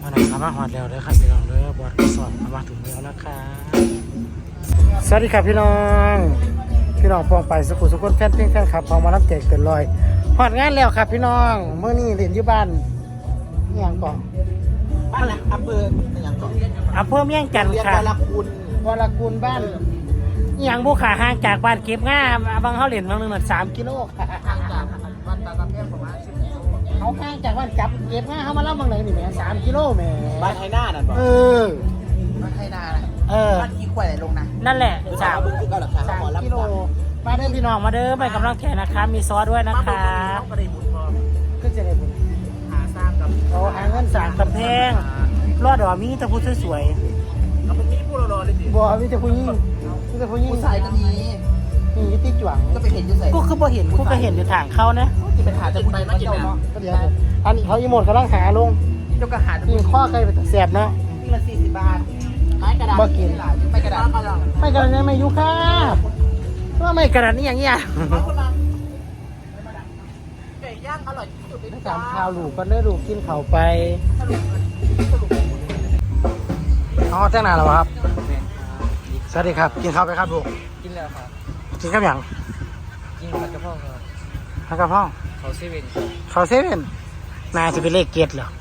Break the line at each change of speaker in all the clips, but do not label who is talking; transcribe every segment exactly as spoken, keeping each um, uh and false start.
วันนี้มาหอดแล้วเลยครับพี่น้องเลยบอดกระสอบมาถึงแล้วนะครับสวัสดีครับพี่น้องพี่น้องปองไปสกุลสกุลแฟนเพลงแฟนคลับพอมารับแจกเกินลอยหอดงานแล้วครับพี่น้องเมื่อนี้เรียนอยู่บ้านนี่ยังก่อน
บ้านอะไรอำเภออย่างก่อน
อำเภอเมียงจันทร์
เรียน
ค่ะ
วรคุณ
วรกุลบ้านนี่ยังบุขาห่างจากบ้านเก็บง่าบางเขาเหรียญบางหนึ่งหนึ่งสามกิโลค่ะ
ทางจากบ้านตาตะเพียงประมาณสิบกิโล
เขาห่างจากบ้านจับเก็บง่าเขามาเล่าบางไหนนี่แหม่สามกิโลแหม่
บ้านไทยหน้านั่นบอก
เออ
บ้านไทยหน้า
เออ
บ้านอีควายไหนลงนะ
นั่นแหละ
สา
สาม ม
บึงคือเก่าหลักฐาน
สาม
หมอรับ
กิโลมาเด้อพี่น้องมาเด้อไปกำลังแข่นะคะมีซอสด้วยนะคะ
ต้องกระดิ่งบุญพอ
ก็จะได้บุญ
หาสร้างกับ
เราหาเงินสั่งกำแพงรอดดอกมีแต่ผู้สวย
เอาเป็นมีผู้รอเลยดิ
ๆบัวมีแต่ผู้ยิ่งมีแต่ผู้ยิ่ง
ผู้ชายก็มี
มีอยู่ที่จวง
ก็ไปเห็นอยู่ใส่
กูคือบ่เห็นกูก็เห็นอยู่ทางเขานะ
ที่เป็นหาจะผู้หญิงมากินนะ
ก็เดี๋ยวอันนี้เขาอีโมดกำลังหาลง
เจ้าก็หาจะ
ยิงข้อใครไปแสบเนาะ
ที่ละสี่สิบบาทไม้กระดาษไม่กระดาษ
ไม่กระดานยังไม่ยุค่าว่าไม่กระดานนี่อย่างเงี้ย
ไก่ย่างอร่อยที่สุดใน
ไม่
จา
จำข้าวลูกก็ได้ลูกกินเข่าไปอ๋อแจ้งนานแล้วครับ สวัสดีครับ กินข้าวไปครับลูก
กินแล้วครับ
กินข้าวหยัง
กินผัดกะเพราครับ
ผักกะเพรา
เขาเซเว่น
ข้าวเซเว่นนายจะไปเลขเกตเหรอ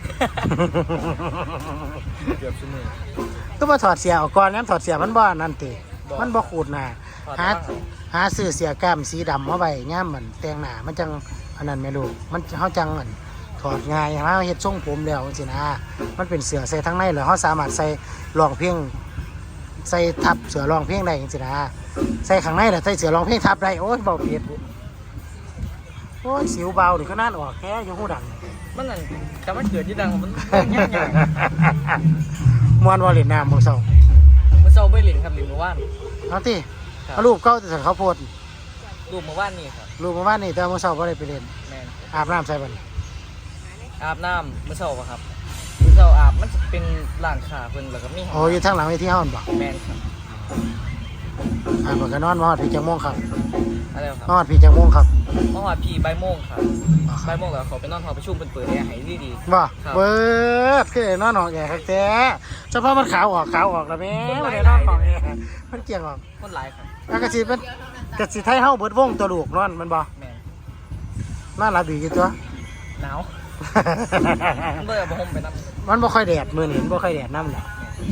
เกือบชั่วโมง
ต้องมาถอดเสียออกก่อนงั้นถอดเสียมันบ่นั่นติมันบ่ขูดหน้า
ถอด
หา
บ้างครับ
หาซื้อเสียแก้มสีดำมาไว้ย่ามมันแต่งหน้ามันจังอันนั้นแม่ลูกมันเฮาจังอันถอดง่ายเฮาเฮ็ดทรงผมแล้วจังซี่นะมันเป็นเสื้อใส่ทั้งในแล้วเฮาสามารถใส่รองเพลงใส่ทับเสื้อรองเพลงได้จังซี่นะใส่ข้างในแล้วใส่เสื้อรองเพลงทับได้โอ้ยเบาเปียดโอ้ยสิวเบานี่ก็น่านออกแค่อยู่หูดัง
มันนั่นแต่มันเกิดที่ดังมันยากยาก
มวนวอลเลนน้ำมือเศร้า
มันเศร้าไปหลินครับหลินเมื่อวาน
เอาติเอารูปเก้าแต่เขาโพด
รูปเมื่อวานนี่ครับ
รูปมาว่านี่แต่มือเศร้าก็ได้ไปเล่น
แมน
อาบน้ำใส่บัน
อาบน้ำเมื่อเช้าปะครับเมื่อเช้าอาบมันจะเป็นร้านขาเพิ่นแล้วก็มี
โอ้อยู่ทางหลังเวทีห้องบ่
แมนครับ
อ่าเปิดกันนอนมาฮอดพี่จังม่วงครับ
อะไรครับ
มาฮอดพี่จังม่วงครับ
เมื่อวานพี่ใบายโมงครับใบายโมงแล้วเขาไปนอนหอประชุมเป็นเปิดแอร์ให้ดีดี
บ่
ครับ
เบิดคือได้นอนหอกแก่ครับแต่เฉพาะมันขาวออกขาวออกแล้วแม่บ่ได้นอนหอกแก่มันเกี่ยงออก
คนหลายครับ
แล้วก็สิเป็นก็สิไทยเฮาเบิดวงตัวลูกนอนมันบ่
แมน
นอนหลับดีอยู่ตัว
หนาวมันเบื่อบ่ห่มไปน้ำ
มันบ่ค่อยแดดมื้อนี้มันบ่ค่อยแดดนำแหละ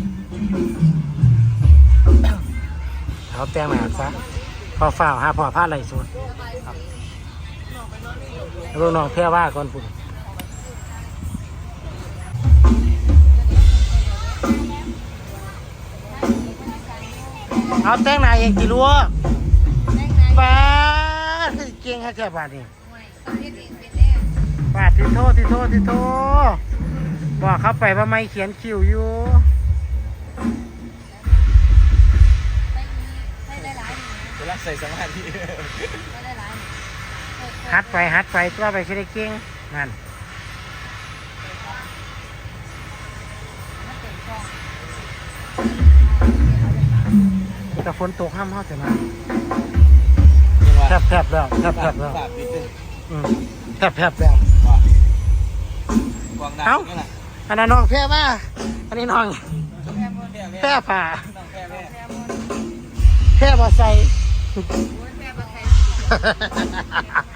เอาแต่งหน้าซะพอฝ้าวหาพ่อพาไหลสุดครับแล้วน้องแพ้ว่าก่อนพุ่นเอาแต่งหน้าเองจิลูกป้าดคือเก่งแค่แค่บาดนี่บาดที่โทษที่โทษที่โทษบอกเขาไปว่าไม่เขียนคิวอยู่
เวลาใส่สมาธิ
ฮัดไปฮัดไปตัวไปคิดได้เก่งนั่นแต่ฝนตกห้ามเขาแต่มาแทบแทบแล้วแทบแทบแล้วอืมแทบแทบแล้วเอ้าอันนั้นน้องแพ้มาอันนี้น้องแพ้ผ่าแพ้บอใส่